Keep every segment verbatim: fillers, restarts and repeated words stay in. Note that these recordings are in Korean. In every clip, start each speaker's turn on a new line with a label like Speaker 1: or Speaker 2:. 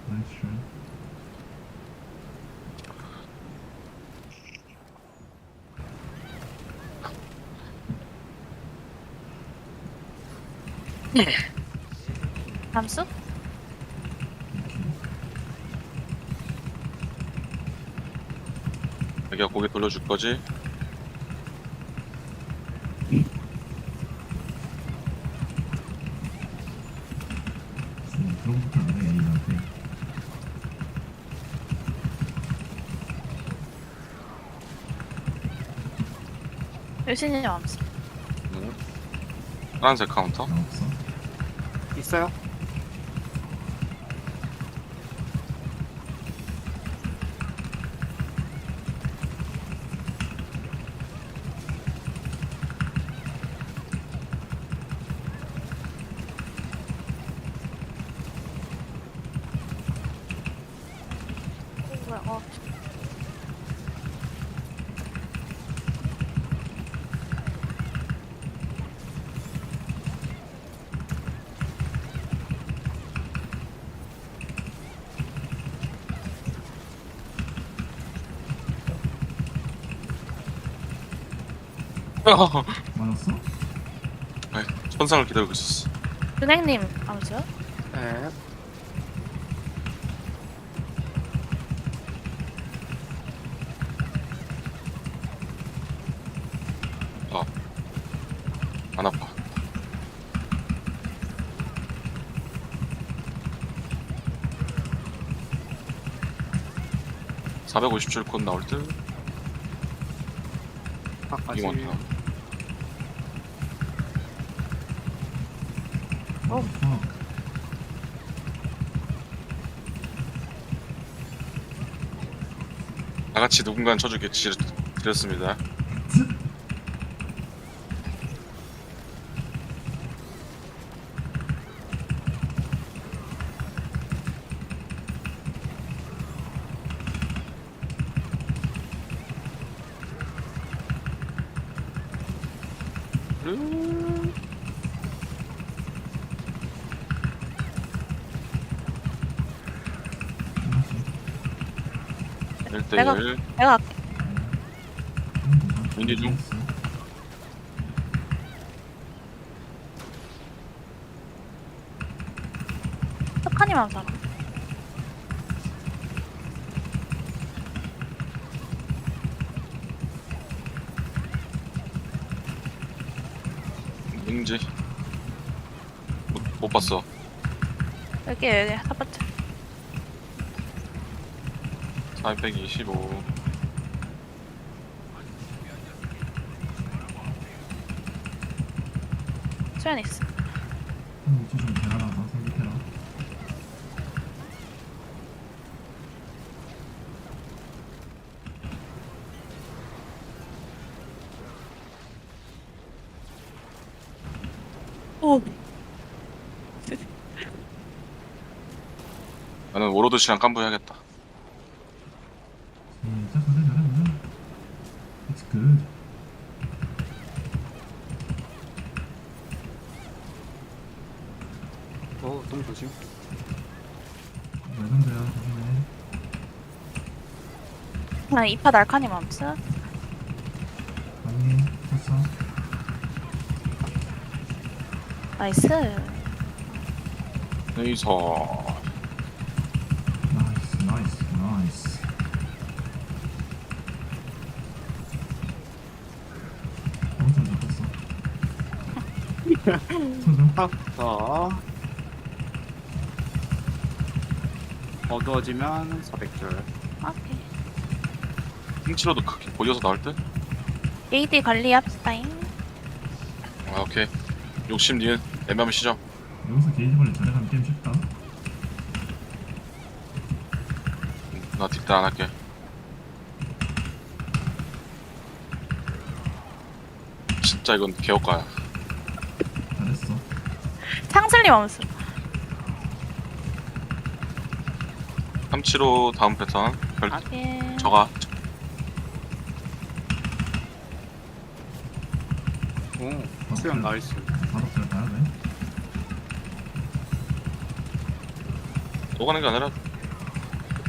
Speaker 1: 나이스 트라이.
Speaker 2: 잠수?
Speaker 3: 자기가 고개 돌려줄 거지?
Speaker 1: 음, 그럼부터 안 해, A한테.
Speaker 2: 유신이 잠수.
Speaker 3: 응. 파란색 카운터?
Speaker 1: 나 없어.
Speaker 4: 있어요?
Speaker 2: 어, 뭐야? 어.
Speaker 1: 맞았어?
Speaker 3: 아이, 천상을 기다리고 있었어.
Speaker 2: 은행님 잠수?
Speaker 4: 네.
Speaker 3: 안 아파. 사백오십 줄 곧 나올 듯?
Speaker 4: 아까지.
Speaker 3: 이거 많다.
Speaker 1: 어. 어.
Speaker 3: 다같이 누군가는 쳐주게 지- 드렸습니다. 음. 일 대
Speaker 2: 내가-
Speaker 3: 일.
Speaker 2: 내가 할게.
Speaker 3: 민지 중.
Speaker 2: 석하님 잠수 알아.
Speaker 3: 민지. 못, 못 봤어.
Speaker 2: 여기 여기 첫 번째.
Speaker 3: 사백이십오.
Speaker 2: 수연 있어.
Speaker 1: 한 위치 좀 대하라. 나 생각해라.
Speaker 2: 오.
Speaker 3: 나는 워로드 씨랑 깜부 해야겠다.
Speaker 1: 시작. 가자, 가자, 가자. It's good.
Speaker 4: 어, 너무 조심.
Speaker 1: 레전드야, 조심해.
Speaker 2: 나 이파 날카님 잠수.
Speaker 1: 아니, 쳤어.
Speaker 2: 나이스.
Speaker 3: 레이서.
Speaker 1: 나이스, 나이스, 나이스. 엄청 잡혔어. 쳐줘.
Speaker 4: 딱, 자. 어두워지면 사백 줄.
Speaker 2: 오케이.
Speaker 3: 킹치로도 크게 보여서 나올 듯?
Speaker 2: 에이디 관리합시다잉.
Speaker 3: 아, 오케이. 욕심 니은 애매하면 시죠.
Speaker 1: 여기서 게이지 관리 잘해가면 게임 쉽다.
Speaker 3: 나 뒷다 안 할게. 진짜 이건 개업가야.
Speaker 1: 잘했어.
Speaker 2: 창슬님 잠수.
Speaker 3: 삼칠오 다음 패턴. 별,
Speaker 2: 오케이.
Speaker 3: 저가.
Speaker 4: 오, 수연 나이스.
Speaker 1: 바로 잘 봐야 돼.
Speaker 3: 또 가는 게 아니라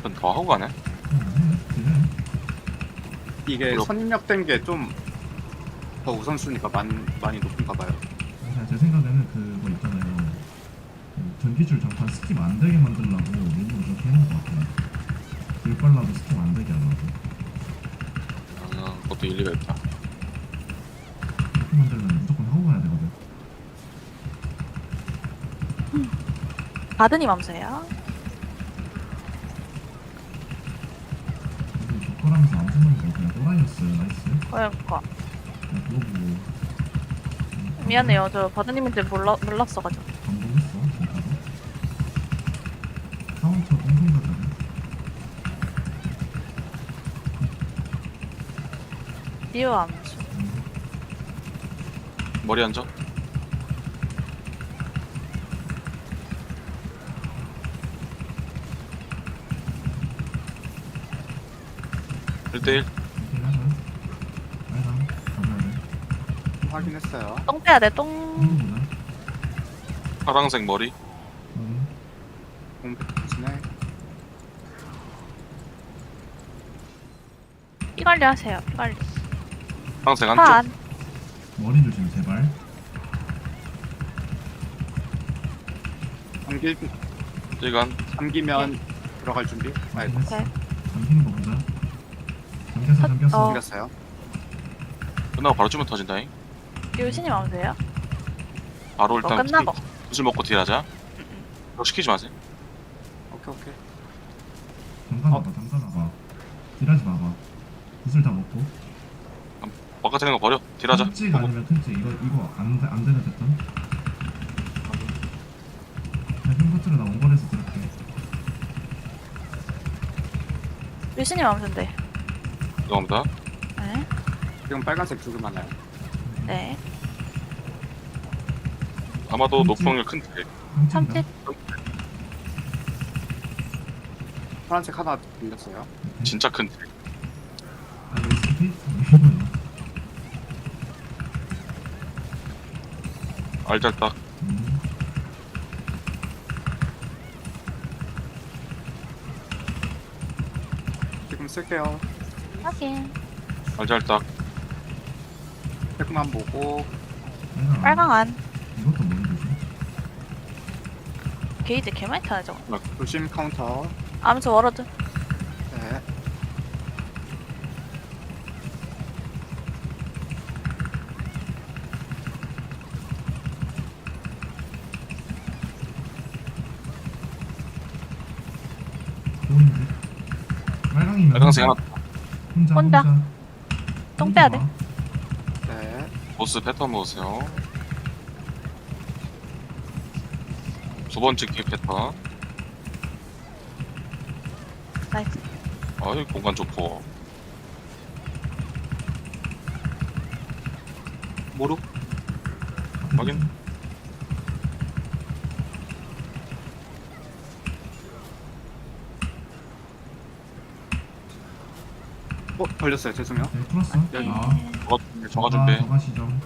Speaker 3: 한 더 하고 가네.
Speaker 1: 그래.
Speaker 4: 이게
Speaker 3: 물론-
Speaker 4: 선입력된 게 좀 더 우선순위가 많이, 많이 높은가 봐요.
Speaker 1: 그냥 제 생각에는 그거 있잖아요. 그 전기줄 장판 스킵 안 되게 만들려고 일부러 그렇게 해놓은 것 같아요. 길 빨라도 스킵 안 되게 하려고.
Speaker 3: 아, 그것도 일리가 있다.
Speaker 1: 이렇게 만들면 무조건 하고 가야 되거든.
Speaker 2: 바드님 암수예요.
Speaker 1: 근데 조커라면서 안 붙는 거 그냥 또라이였어요. 나이스.
Speaker 2: 그러니까
Speaker 1: 그냥 그거 보고. 음,
Speaker 2: 미안해요. 저 바드님인지 몰라 몰랐어가지고.
Speaker 1: 감동했어 진짜로. 카운터 똥똥 같다네.
Speaker 2: 리오 암수.
Speaker 1: 음,
Speaker 3: 머리 앉아. 일 대일.
Speaker 1: 이렇게 하자. 빨강 가봐야 돼.
Speaker 4: 확인했어요.
Speaker 2: 똥 빼야 돼. 똥.
Speaker 1: 똥똥보다.
Speaker 3: 파랑색 머리.
Speaker 1: 음,
Speaker 4: 공백진에
Speaker 2: 피 관리 하세요. 피 관리.
Speaker 3: 파랑색
Speaker 2: 파
Speaker 3: 안쪽.
Speaker 2: 안.
Speaker 1: 머리 조심 제발.
Speaker 4: 잠기,
Speaker 3: 일간.
Speaker 4: 잠기면 들어갈 준비. 아이고,
Speaker 1: 확인했어.
Speaker 2: 오케이.
Speaker 1: 잠기는 거 보자. 잠겼어 잠겼어.
Speaker 2: 어.
Speaker 4: 잠겼어요.
Speaker 3: 끝나고 바로 주면 터진다잉.
Speaker 2: 유신님 암수예요.
Speaker 3: 바로
Speaker 2: 이거
Speaker 3: 일단
Speaker 2: 끝나고.
Speaker 3: 술 먹고 딜하자. 그거 시키지 마세요.
Speaker 4: 오케이, 오케이.
Speaker 1: 잠가놔봐 잠가놔봐. 딜하지 마봐. 구슬 다 먹고.
Speaker 3: 바깥에 있는 거 버려. 딜하자.
Speaker 1: 큰찍 아니면 큰찍 이거 이거 안, 돼- 안 되는 패턴. 그냥 흉버트를 나 원거리에서 들을게.
Speaker 2: 유신님 암수인데.
Speaker 3: 죄송합니다.
Speaker 2: 네.
Speaker 4: 지금 빨간색 두 개 많아요.
Speaker 2: 네.
Speaker 3: 아마도
Speaker 1: 음,
Speaker 3: 높은 확률 큰 딜.
Speaker 2: 참치.
Speaker 4: 파란색 하나 들렸어요.
Speaker 3: 진짜 큰 딜.
Speaker 1: 아 이거 스킵? 이거는.
Speaker 3: 알잘딱.
Speaker 1: 음.
Speaker 4: 지금 쓸게요.
Speaker 2: 확인.
Speaker 3: 알잘딱.
Speaker 4: 백만 보고
Speaker 1: 빨강.
Speaker 2: 빨강 안.
Speaker 1: 이것도 머리 조심.
Speaker 2: 게이지 개 많이 타네 저거.
Speaker 4: 조심 카운터.
Speaker 2: 암수 워러드.
Speaker 4: 네.
Speaker 1: 좋은데. 빨강이면
Speaker 3: 빨강색 하나.
Speaker 1: 혼자
Speaker 2: 혼자.
Speaker 1: 혼자.
Speaker 2: 똥 빼야 돼.
Speaker 1: 와.
Speaker 4: 네.
Speaker 3: 보스 패턴 보세요. 두 번째 키 패턴.
Speaker 2: 나이스.
Speaker 3: 아이 공간 좋고.
Speaker 4: 모루.
Speaker 3: 확인.
Speaker 4: 어, 걸렸어요. 죄송해요.
Speaker 1: 네, 풀었어.
Speaker 4: 여기.
Speaker 1: 아.
Speaker 3: 저가 저가 준비.
Speaker 1: 저가 시정.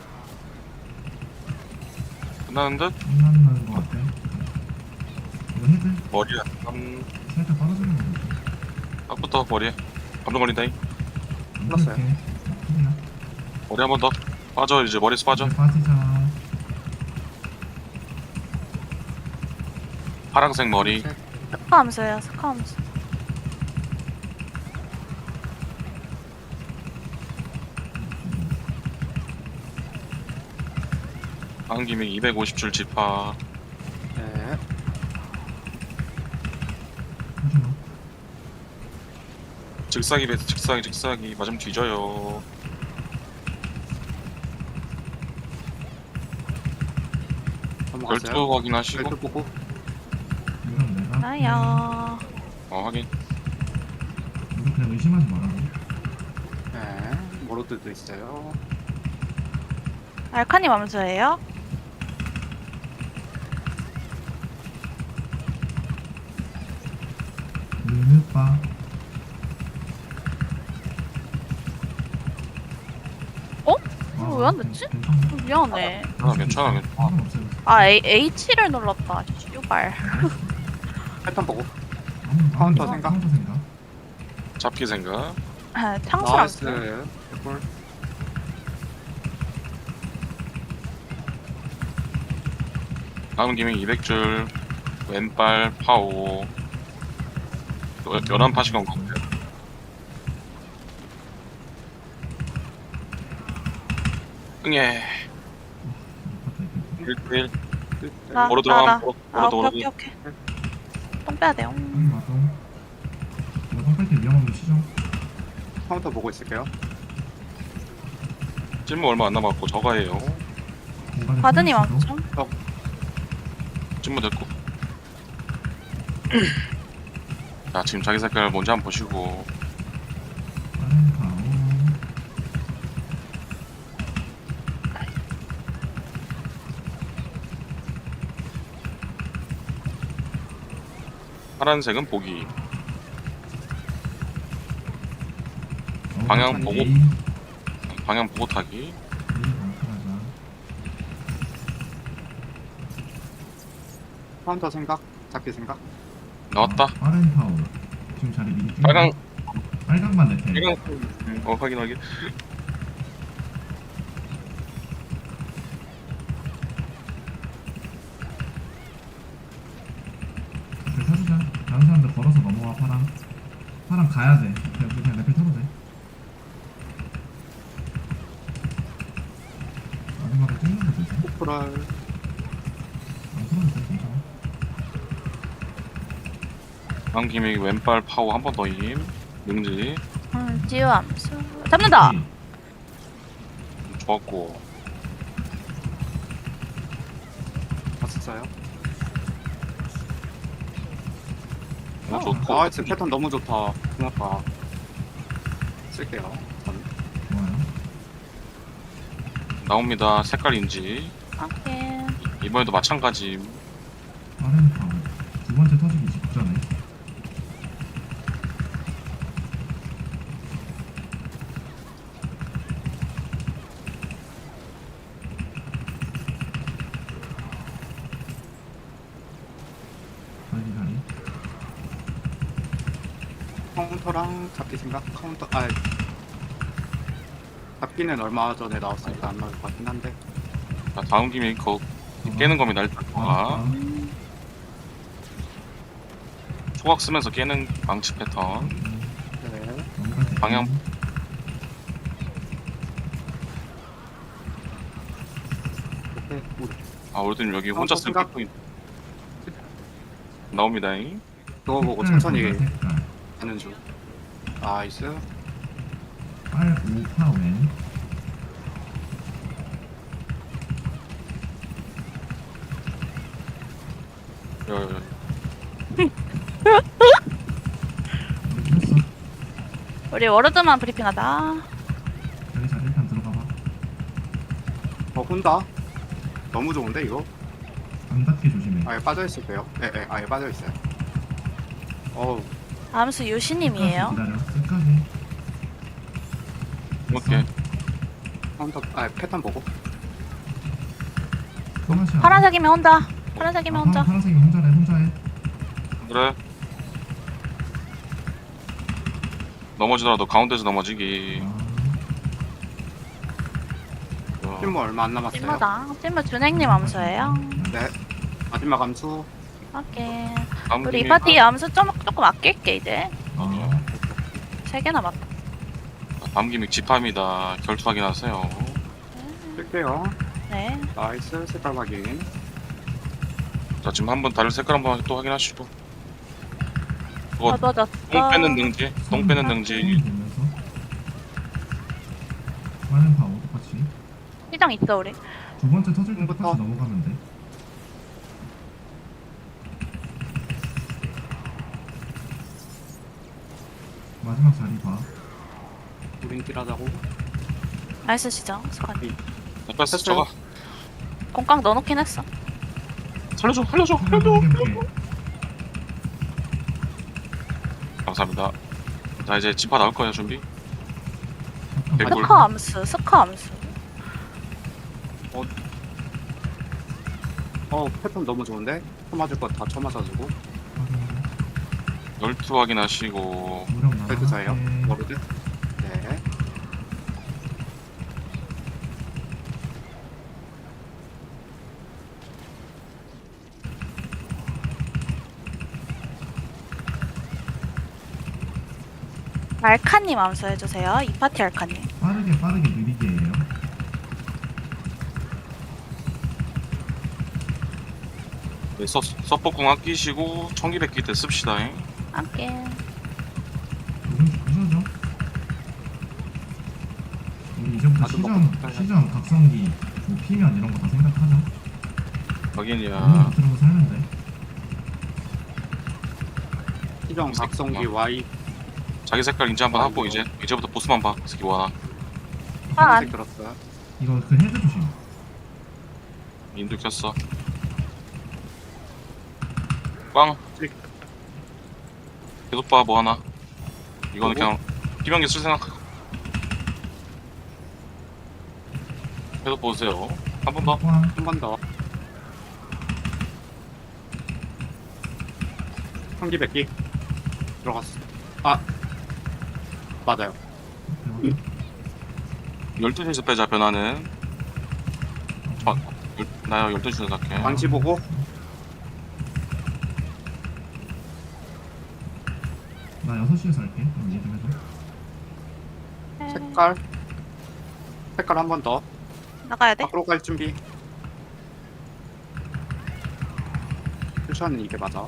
Speaker 3: 끝나는 듯.
Speaker 1: 끝나는 거 같아. 이거 헤드
Speaker 3: 머리 한
Speaker 1: 살짝 떨어지는 거 같아.
Speaker 3: 딱부터 머리에. 감정 걸린다잉.
Speaker 1: 안
Speaker 4: 풀었어요.
Speaker 1: 풀게. 풀이야.
Speaker 3: 머리 한 번 더. 빠져 이제 머리에서 빠져.
Speaker 1: 이제 빠지자.
Speaker 3: 파랑색 머리.
Speaker 2: 스카 암수예요. 스카 암수.
Speaker 3: 한 김에 이백오십 줄 지파.
Speaker 4: 네.
Speaker 1: 하지마.
Speaker 3: 즉사기 베이스 즉사기 즉사기 맞으면 뒤져요.
Speaker 4: 넘어갔어요.
Speaker 3: 열두 확인하시고.
Speaker 4: 열두 보고.
Speaker 1: 이건 내가.
Speaker 2: 나야.
Speaker 3: 어 확인.
Speaker 1: 이거 그냥 의심하지 말라고.
Speaker 4: 네. 모로드도 있어요.
Speaker 2: 알카님 암수예요.
Speaker 1: 느느빠.
Speaker 2: 어?
Speaker 1: 아,
Speaker 2: 왜 안 됐지?
Speaker 1: 괜찮아.
Speaker 2: 어, 미안해.
Speaker 3: 괜찮아 괜찮아 괜찮아.
Speaker 1: 상관없어요.
Speaker 2: 아 A, H를 눌렀다. 씨발.
Speaker 4: 패턴 보고.
Speaker 1: 아무-
Speaker 4: 카운터
Speaker 1: 아무-
Speaker 4: 생각?
Speaker 1: 카운터 생각.
Speaker 3: 잡기 생각.
Speaker 2: 탕수랑
Speaker 4: 나이스. 개꿀.
Speaker 3: 다음 기믹 이백 줄. 왼발 파오. 여- 열한 파시건 같아요. 응애. 일 대 일.
Speaker 2: 나,
Speaker 3: 오로
Speaker 2: 나, 나.
Speaker 3: 들어가면 오로
Speaker 2: 아,
Speaker 3: 오로
Speaker 2: 오케이,
Speaker 3: 들어가면
Speaker 2: 오케이, 오케이. 똥 빼야 돼요.
Speaker 1: 아니 맞아. 이거 똥뺄때 위험한 거 치죠.
Speaker 4: 카운터 보고 있을게요.
Speaker 3: 찜무 얼마 안 남았고 저가예요.
Speaker 1: 공간에
Speaker 2: 바드님
Speaker 1: 숨을 쉬고.
Speaker 2: 왕점.
Speaker 3: 찜무 됐고. 자 지금 자기 색깔 뭔지 한번 보시고.
Speaker 1: 빠른 파워.
Speaker 3: 파란색은 보기.
Speaker 1: 어,
Speaker 3: 방향
Speaker 1: 천천히.
Speaker 3: 보고.
Speaker 1: A,
Speaker 3: 방향 보고 타기.
Speaker 1: A 방탈하자.
Speaker 4: 카운터 생각. 잡기 생각.
Speaker 3: 나왔다.
Speaker 1: 어, 빠른 파워. 지금 자리 미리 띄우고.
Speaker 3: 빨강.
Speaker 1: 빨강만 내 테.
Speaker 3: 빨강. 어 확인 확인.
Speaker 1: 레펠 타주자. 다른 사람들 걸어서 넘어와 파랑. 파랑 가야 돼. 그냥 그냥 레펠 타도 돼. 마지막에 찍는 거 되지?
Speaker 4: 포프랄.
Speaker 1: 안 풀어도 돼. 괜찮아.
Speaker 3: 다음 기믹 왼발 파오 한 번 더 힘. 능지.
Speaker 2: 음, 지우 암수. 잡는다!
Speaker 1: 오케이.
Speaker 3: 좋았고.
Speaker 4: 봤었어요.
Speaker 3: 어,
Speaker 1: 어,
Speaker 3: 좋고.
Speaker 4: 나이스. 패턴 너무 좋다. 고맙다. 쓸게요. 저는.
Speaker 1: 좋아요.
Speaker 3: 나옵니다. 색깔 인지.
Speaker 2: 오케이.
Speaker 3: 이번에도 마찬가지.
Speaker 1: 빠른 파워. 두 번째 터지기 직전에. 빨리 다리.
Speaker 4: 카운터랑 잡기 생각. 카운터. 아. 잡기는 얼마 전에 나왔으니까 안 나올 것 같긴 한데.
Speaker 3: 자, 다음 기믹 거 깨는 겁니다. 일단
Speaker 1: 아,
Speaker 3: 아,
Speaker 1: 아.
Speaker 3: 초각 쓰면서 깨는 망치 패턴.
Speaker 1: 음,
Speaker 4: 네.
Speaker 1: 넘어가지.
Speaker 3: 방향.
Speaker 4: 오케이. 우리
Speaker 3: 아, 오르드님 여기
Speaker 4: 어,
Speaker 3: 혼자
Speaker 4: 저
Speaker 3: 쓴
Speaker 4: 생각-
Speaker 3: 피포인트. 나옵니다잉.
Speaker 4: 그거 보고
Speaker 1: 색깔
Speaker 4: 천천히
Speaker 1: 보자, 색깔.
Speaker 4: 가는 중. 나이스.
Speaker 1: 빨 오파 왼.
Speaker 3: 여, 여,
Speaker 1: 우리 했어.
Speaker 2: 우리 워르드만 브리핑하다.
Speaker 1: 여기 자리 일단 들어가 봐.
Speaker 4: 어, 혼다. 너무 좋은데, 이거?
Speaker 1: 안 닿게 조심해.
Speaker 4: 아예 빠져있을게요. 예, 예, 아예 빠져있어요. 어우,
Speaker 2: 암수 유시님이에요.
Speaker 1: 끝까지 기다려. 끝까지. 됐어.
Speaker 3: 오케이.
Speaker 4: 카운터, 아 패턴 보고.
Speaker 1: 성화시야.
Speaker 2: 파란색이면 혼자. 파란색이면 혼자.
Speaker 1: 아, 파란색이 혼자래. 혼자해.
Speaker 3: 그래. 넘어지더라도 가운데서 넘어지기.
Speaker 1: 아,
Speaker 3: 어,
Speaker 4: 찜무 얼마 안 남았어요.
Speaker 2: 찐무다. 찐무 준행님 암수예요.
Speaker 4: 네. 마지막 암수.
Speaker 2: 오케이.
Speaker 3: 다음
Speaker 2: 우리 이
Speaker 3: 기믹-
Speaker 2: 파티 암수 좀 조금 아낄게 이제.
Speaker 1: 아,
Speaker 2: 세 개 남았다.
Speaker 3: 다음 기믹 집합니다. 결투 확인하세요.
Speaker 4: 쓸게요.
Speaker 2: 네.
Speaker 4: 나이스. 색깔 확인.
Speaker 3: 자, 지금 한번 다른 색깔 한번 또 확인하시고. 그거
Speaker 2: 어두워졌어.
Speaker 3: 똥 빼는 능지. 똥 빼는 능지.
Speaker 1: 보면서. 빠른 파워 똑같이.
Speaker 2: 시장 있어 우리.
Speaker 1: 두 번째 터질 때
Speaker 4: 지금부터.
Speaker 1: 똑같이 넘어가면 돼. 마지막 자리 봐.
Speaker 4: 우린 딜하자고.
Speaker 2: 나이스 시장. 스쿼드.
Speaker 3: 뺐어, 저가.
Speaker 2: 공깡 넣어놓긴 했어.
Speaker 3: 살려줘, 살려줘,
Speaker 1: 살려줘,
Speaker 3: 살려줘.
Speaker 1: 살려줘.
Speaker 3: 감사합니다. 자, 이제 집합 나올 거예요, 준비. 개꿀.
Speaker 2: 스커 암수. 스커 암수.
Speaker 4: 어, 패턴 너무 좋은데? 쳐맞을 거 다 쳐맞아주고.
Speaker 1: 확인하고.
Speaker 3: 열두 확인하시고
Speaker 1: 무력 남아.
Speaker 4: 벨트 사예요. 워로드. 네.
Speaker 2: 알카님 암수해주세요. 이 파티 알카님.
Speaker 1: 빠르게 빠르게 느리게 해요.
Speaker 3: 네, 서, 서포궁 아끼시고 청기백기 때 씁시다. 잉.
Speaker 2: 함께.
Speaker 1: 요즘 부셔죠. 우리 이제부터
Speaker 4: 아주
Speaker 1: 시전
Speaker 4: 먹고
Speaker 1: 시전 각성기 뭐 피면 이런 거 다 생각하자. 너무
Speaker 3: 확인이야.
Speaker 1: 들어서 살면 돼.
Speaker 4: 시정 각성기 Y.
Speaker 3: 자기 색깔 인지 한번 하고
Speaker 4: 아이고.
Speaker 3: 이제 이제부터 보스만 봐. 새끼 와.
Speaker 2: 아,
Speaker 4: 파란색 들었어요.
Speaker 1: 이거 그 헤드 조심.
Speaker 3: 인도 켰어. 꽝.
Speaker 4: 찍.
Speaker 3: 계속 봐 뭐 하나. 이거는
Speaker 4: 뭐고?
Speaker 3: 그냥 비명기 쓸 생각. 계속 보세요. 한 번 더.
Speaker 1: 꽝.
Speaker 4: 한 번 더. 한기 백기 들어갔어. 아 맞아요.
Speaker 3: 열두 시에서 빼자 변화는. 아, 열, 나요 열두 시에서 갈게.
Speaker 4: 방치 보고
Speaker 1: 나 여섯 시에서 할게. 그럼 이해 좀 해줘.
Speaker 2: 네.
Speaker 4: 색깔 색깔 한 번 더.
Speaker 2: 나가야 돼?
Speaker 4: 밖으로 갈 준비. 쿠션은 이게 맞아.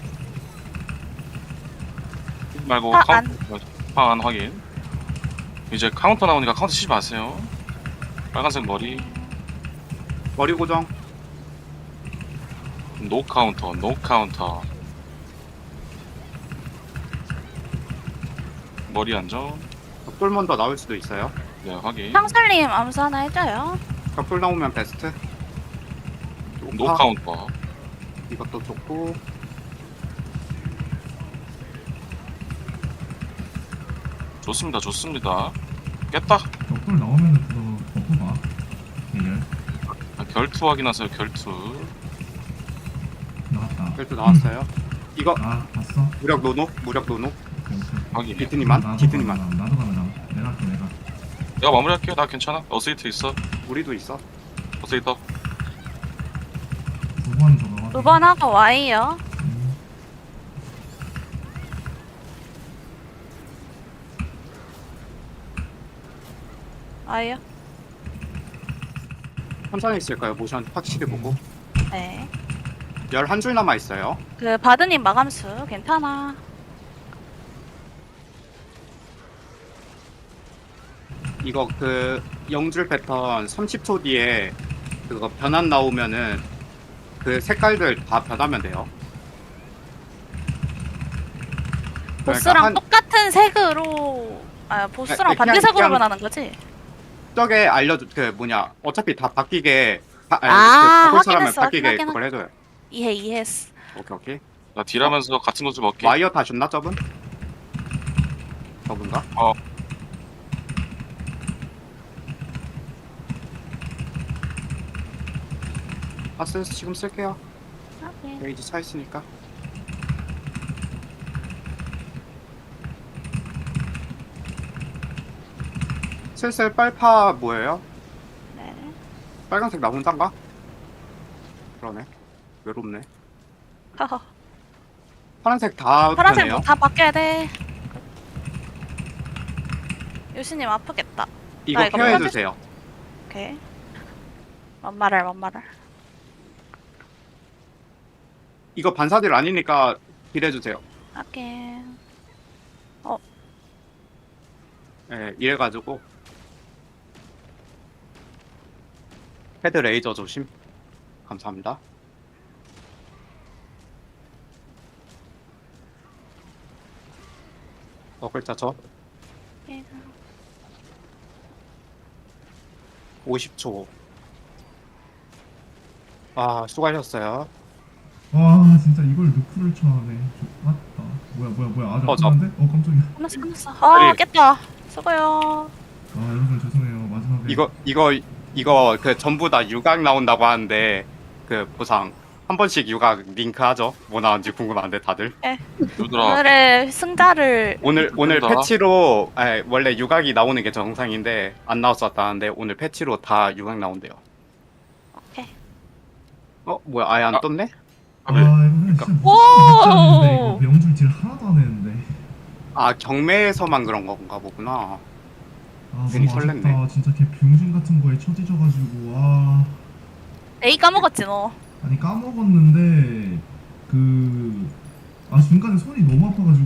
Speaker 3: 말고
Speaker 2: 파
Speaker 3: 카운터 파안 확인. 이제 카운터 나오니까 카운터 치지 마세요. 빨간색 머리
Speaker 4: 머리 고정.
Speaker 3: 노 카운터 노 카운터 머리 안전.
Speaker 4: 벽돌만 더 나올 수도 있어요.
Speaker 3: 네 확인.
Speaker 2: 형설님 암수 하나 해줘요.
Speaker 4: 벽돌 나오면 베스트.
Speaker 3: 노
Speaker 4: 아,
Speaker 3: 카운터.
Speaker 4: 이것도 좋고.
Speaker 3: 좋습니다 좋습니다. 깼다.
Speaker 1: 벽돌 나오면은 그거 버프 봐. 대결
Speaker 3: 아, 결투 확인하세요 결투.
Speaker 1: 나갔다.
Speaker 4: 벨트 나왔어요. 이거
Speaker 1: 아 봤어.
Speaker 4: 무력 노노 무력 노노.
Speaker 1: 오케이, 오케이.
Speaker 3: 확인.
Speaker 4: 비트님만
Speaker 1: 나도
Speaker 4: 비트님만.
Speaker 1: 가면 나, 나도 가면 나. 내가 할게 내가.
Speaker 3: 내가 마무리할게요. 나 괜찮아. 어세이트 있어.
Speaker 4: 우리도 있어.
Speaker 3: 어세이터.
Speaker 1: 두 번 저거 확인.
Speaker 2: 두 번 하고 Y요.
Speaker 1: 음.
Speaker 2: Y요.
Speaker 4: 천천히 있을까요? 모션 확실히 보고.
Speaker 2: 네.
Speaker 4: 열한 줄 남아 있어요.
Speaker 2: 그 바드님 마감수 괜찮아.
Speaker 4: 이거 그 영줄 패턴 삼십 초 뒤에 그거 변환 나오면은 그 색깔들 다 변하면 돼요.
Speaker 2: 보스랑
Speaker 4: 한-
Speaker 2: 똑같은 색으로 아 보스랑
Speaker 4: 네, 그냥-
Speaker 2: 반대색으로
Speaker 4: 그냥-
Speaker 2: 변하는 거지?
Speaker 4: 저게 알려줘. 그 뭐냐 어차피 다 바뀌게 바, 아니,
Speaker 2: 아,
Speaker 4: 그 바꿀 사람은
Speaker 2: 확인했어,
Speaker 4: 바뀌게
Speaker 2: 확인했어.
Speaker 4: 그걸 해줘요.
Speaker 2: 이해 이해했어.
Speaker 4: 오케이 오케이.
Speaker 3: 나 딜하면서 같은 곳을 먹게.
Speaker 4: 와이어 다 줬나 저분? 저분가?
Speaker 3: 어.
Speaker 4: 파스 지금 쓸게요.
Speaker 2: 오케이.
Speaker 4: 페이지 차 있으니까. 슬슬 빨파 뭐예요?
Speaker 2: 네.
Speaker 4: 빨간색 나 혼자인가? 그러네. 외롭네.
Speaker 2: 허허.
Speaker 4: 파란색 다
Speaker 2: 파란색
Speaker 4: 편해요.
Speaker 2: 뭐다 바뀌어야 돼. 요시님 아프겠다.
Speaker 4: 이거
Speaker 2: 나 이거
Speaker 4: 케어해
Speaker 2: 펴줄-
Speaker 4: 주세요.
Speaker 2: 오케이. 뭔 말을 뭔 말을.
Speaker 4: 이거 반사딜 아니니까 딜해 주세요.
Speaker 2: 오케이.
Speaker 4: 예, 이래 가지고 헤드 레이저 조심. 감사합니다. 어 글자 저
Speaker 2: 오케이.
Speaker 4: 오십 초. 아 수고하셨어요.
Speaker 1: 와 진짜 이걸 누크를 쳐네. 맞다. 뭐야 뭐야 뭐야 아주
Speaker 4: 어, 저-
Speaker 1: 아픈데? 어 깜짝이야.
Speaker 2: 끝났어 끝났어. 아
Speaker 4: 아니.
Speaker 2: 깼다. 수고요.
Speaker 1: 아 여러분 죄송해요 마지막에.
Speaker 4: 이거 이거 이거 그 전부 다 유각 나온다고 하는데 그 보상 한 번씩 육아 링크 하죠. 뭐 나왔는지 궁금한데 다들.
Speaker 3: 얘들아
Speaker 2: 오늘의 승자를
Speaker 4: 오늘 오늘
Speaker 3: 그런가?
Speaker 4: 패치로 아니, 원래 육각이 나오는 게 정상인데 안 나왔었다는데 오늘 패치로 다 육각 나온대요.
Speaker 2: 오케이.
Speaker 4: 어 뭐야 아예 안
Speaker 3: 아.
Speaker 4: 떴네?
Speaker 1: 아 이거 그냥 진짜
Speaker 2: 오!
Speaker 1: 무슨 이거 명중 딜 하나도 안 했는데.
Speaker 4: 아 경매에서만 그런 건가 보구나.
Speaker 1: 아
Speaker 4: 괜히
Speaker 1: 너무
Speaker 4: 설렜네.
Speaker 1: 아쉽다. 진짜 걔 병중 같은 거에 처지져가지고 아
Speaker 2: 에이 까먹었지 너.
Speaker 1: 아니 까먹었는데 그 아 중간에 손이 너무 아파가지고.